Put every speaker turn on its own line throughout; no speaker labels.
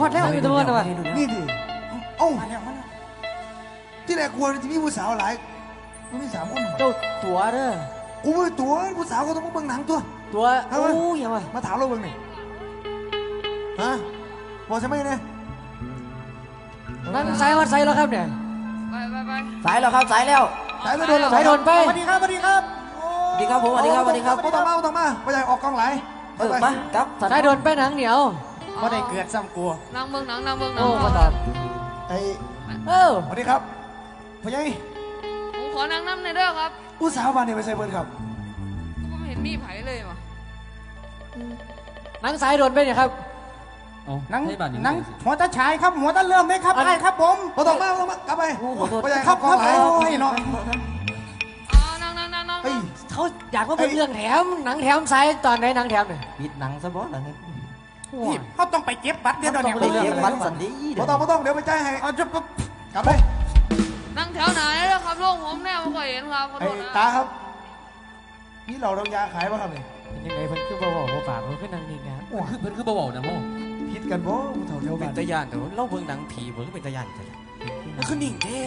ฮอดแล้วมีตัวตัว
นี่ดิเอ้าที่แรกกลัวจะมีผู้สาวหลายมันมี3 คน
เจ้าตัวเด้อ
กูไม่ตัวผู้สาวก็ต้องมาเบิ่งหนังตัว
โอ้ยอย่ามา
ถามเราเบิ่งนี่ฮะบอกใช่ไหมเนี่ย
นั่งสายวัดสายแล้วครับเนี่ย
ไป
สายแล้วครับสายแล้ว
สายโดน
ไป
สวัสดีครับสวัสดีครับ
ผมสวัสดีครับ
ต้องมาไปใหญ่ออกกองไหล
มาครับ
สายโดนไปหนังเหนียว
ไม่ได้เกิดซ้ำกลัว
นั่งเบิ่งหนัง
โอ้มาตอบ
ไอ้สวัสดีครับพ่อใหญ่
ผมขอนั่งน้ำในเด้อครับ
ผู้สาวบ้านนี่ไปใส่เบิร์ดครับ
ผมเห็นมีไผ่เลยว่ะ
หนังสายโดนไปเนี่ยครับ
นังหัวตาฉายครับหัวตาเริ่มเลยครับไอ้ครับผม
ต้องมากลับไปพ่อใหญ่
ครับครับ
เนาะ
นั่ง
เขาอยากว่าเป็นเรื่องแถมหนังแถมสายตอนไหนหนังแถมเนี่ย
ปิดหนังซะบ่หนัง
นี่เขาต้องไปเก็บบัตรเดี๋ยวเนี่ย
ไปเก็บบัตรสันดี
ไม่ต้องเดี๋ยวไปจ่ายให้กลับไป
นั่งแถวไหนแล้วครับลูกผมแน่ไม่เคยเห็นครับ
ไอ้ตาครับนี่เราต้องยาขายป่ะครับเนี่ย
ยังไงเพิ่นคือบ่บอกว่าฝากเพิ่นคือหนังนี่งาน
เพิ่นคือบ่บอกนะโม่
พิษกันบ่ผู้เฒ่าเท่า
เป็นตะยานแต่เล่าเบิ่งหนังผีเบิ่งเป็นตะยานแต่มันคือนิ่งแท้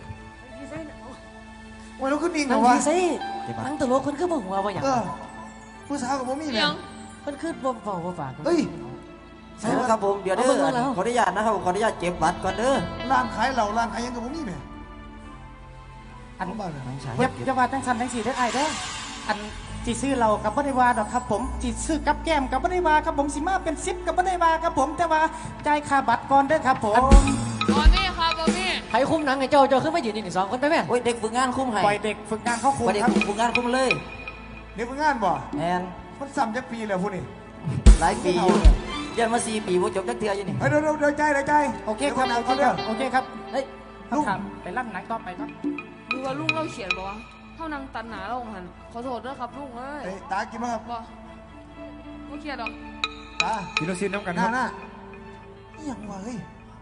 ว่าเราขึ้นนิ่งเหรอ
วะ
วะ
หนังตลกคนคือบ่หัวว่าอย่าง
ผู้สาวกับผมมีเนี่ย
มันคือบ่บอกว่าฝาก
เฮ้ย
ใช่แล้วครับผมเดี๋ยวเด้อขออนุญาตนะครับขออนุญาตเก็บบัตรก่อนเด้อ
ร้านขายเราร้านขายยังกับผมมีเนี่ย
อันบ้านเลยจะว่าตั้งสันทั้ง4ได้ไอ้เด้ออันจีซื้อเรากับบ่ได้ว่าดอกครับผมจีซื้อกับแก้มกับบ่ได้ว่าครับผมสิมาเป็น10กับบ่ได้ว่าครับผมแต่ว่าจ่ายค่าบัตรก่อนเด้อครับผม
ตอนนี้ครับตอนนี้
ใครคุมหนังไอ้เจ้าขึ้นมายืนนี่2 คนไปไหม
โอ้ยเด็กฝึกงานคุมให้
ปล่อยเด็กฝึกงานเขาคุม
เด็กฝึกงานคุมเลย
เด็กฝึกงานบ่
แอน
มันซ้ำจักปีแล้วพวกนี้
หลายปีเรียนมา4 ปีว่าจบจักเทื่ออยู่นี่
เดี๋ยวใจ
โอเคครับโอเคครับ
เฮ้ย
ลูกไปลั่นหนังต่อไปครับ
ดูว่าลุงเราเขียนบอกว่าเท่านังตันหนาเราหันขอโทษด้วยครับลุงเอ้ย
ตากินมั้งครับ
ไม่เครียดหรอก
ตา
กินลูกชิ้นน้ำกัน
ครับน่าอย่างวะเฮ้ย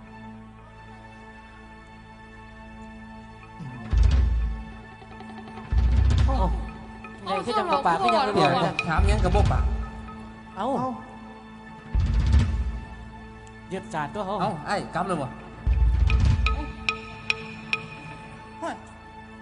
ไงคือจังปากก็ยังไม่บอก
ถามยังกับบ่ปาก
เอ้ายึดจานตัวเขา
เอ้าไอ้กำเลยวะ